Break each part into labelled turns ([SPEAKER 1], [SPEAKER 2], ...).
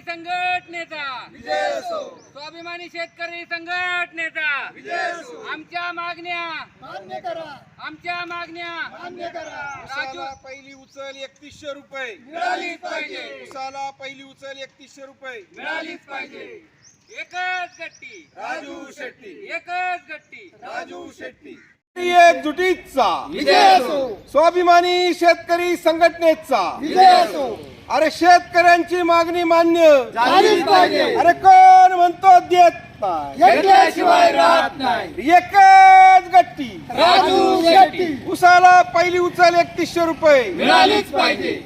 [SPEAKER 1] संघटनेचा
[SPEAKER 2] विजय असो,
[SPEAKER 1] स्वाभिमानी शेतकरी संघटनेचा
[SPEAKER 2] विजय असो,
[SPEAKER 1] आमच्या मागण्या
[SPEAKER 2] मान्य करा,
[SPEAKER 1] आमच्या मागण्या
[SPEAKER 2] मान्य करा.
[SPEAKER 3] उसाला पहिली उचल 3100 रुपये
[SPEAKER 1] मिळालीच पाहिजे,
[SPEAKER 3] उसाला पहिली उचल 3100 रुपये
[SPEAKER 1] मिळालीच पाहिजे. एकच गट्टी,
[SPEAKER 3] राजू शेट्टी,
[SPEAKER 1] एकच गट्टी,
[SPEAKER 3] राजू शेट्टी.
[SPEAKER 4] एकजुटीचा
[SPEAKER 2] विजय असो,
[SPEAKER 4] स्वाभिमानी शेतकरी संघटनेचा
[SPEAKER 2] विजय असो,
[SPEAKER 4] अरे शेतकऱ्यांची मागणी मान्य
[SPEAKER 2] झालीच पाहिजे.
[SPEAKER 4] अरे कोण म्हणतो देत नाही
[SPEAKER 2] घेतल्याशिवाय राहत नाही.
[SPEAKER 4] एकच गट्टी
[SPEAKER 2] राजू शेट्टी,
[SPEAKER 4] उसाला पहिली उचल 3100 रुपये
[SPEAKER 2] मिळालीच पाहिजे.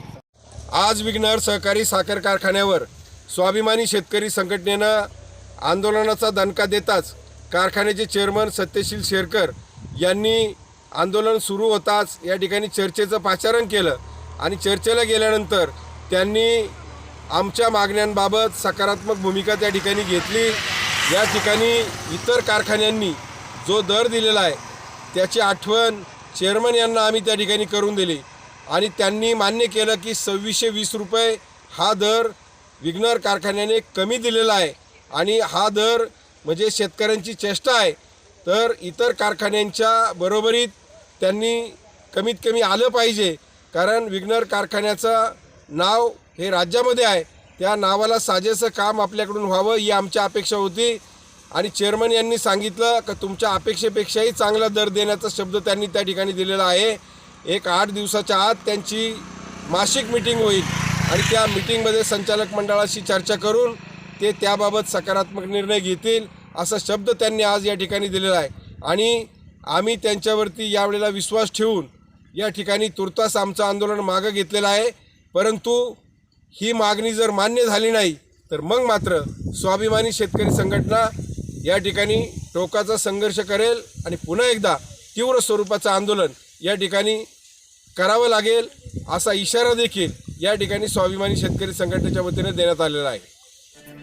[SPEAKER 3] आज विघ्नर सहकारी साखर कारखान्यावर स्वाभिमानी शेतकरी संघटनेनं आंदोलनाचा दणका देताच कारखान्याचे चेअरमन सत्यशील शेरकर यांनी आंदोलन सुरू होताच या ठिकाणी चर्चेचं पाचारण केलं आणि चर्चेला गेल्यानंतर त्यांनी आमच्या मागण्यांबाबत सकारात्मक भूमिका त्या ठिकाणी घेतली. या ठिकाणी इतर कारखान्यांनी जो दर दिलेला आहे त्याची आठवण चेअरमन यांना आम्ही त्या ठिकाणी करून दिली आणि त्यांनी मान्य केलं की 2620 रुपये हा दर विघ्नर कारखान्याने कमी दिलेला आहे आणि हा दर म्हणजे शेतकऱ्यांची चेष्टा आहे. तर इतर कारखान्यांच्या बरोबरीत त्यांनी कमीत कमी आलं पाहिजे, कारण विघ्नर कारखान्याचं नाव हे राज्यामध्ये आहे. त्या नावाला साजेसं काम आपल्याकडून व्हावं ही आमची अपेक्षा होती आणि चेअरमन यांनी सांगितलं की तुमच्या अपेक्षेपेक्षाही चांगला दर देण्याचा शब्द त्यांनी त्या ठिकाणी दिलेला आहे. एक 8 दिवसाच्या आत त्यांची मासिक मीटिंग होईल आणि त्या मीटिंगमध्ये संचालक मंडळाशी चर्चा करून ते त्याबाबत सकारात्मक निर्णय घेतील असा शब्द त्यांनी आज या ठिकाणी दिलेला आहे आणि आम्ही त्यांच्यावरती यावेळेला विश्वास ठेवून या ठिकाणी तुर्तास आमचं आंदोलन मागं घेतलेलं आहे. परंतु ही मागणी जर मान्य झाली नाही तर मग मात्र स्वाभिमानी शेतकरी संघटना या ठिकाणी टोकाचा संघर्ष करेल आणि पुन्हा एकदा तीव्र स्वरूपाचं आंदोलन या ठिकाणी करावं लागेल असा इशारा देखील या ठिकाणी स्वाभिमानी शेतकरी संघटनेच्या वतीने देण्यात आलेला आहे.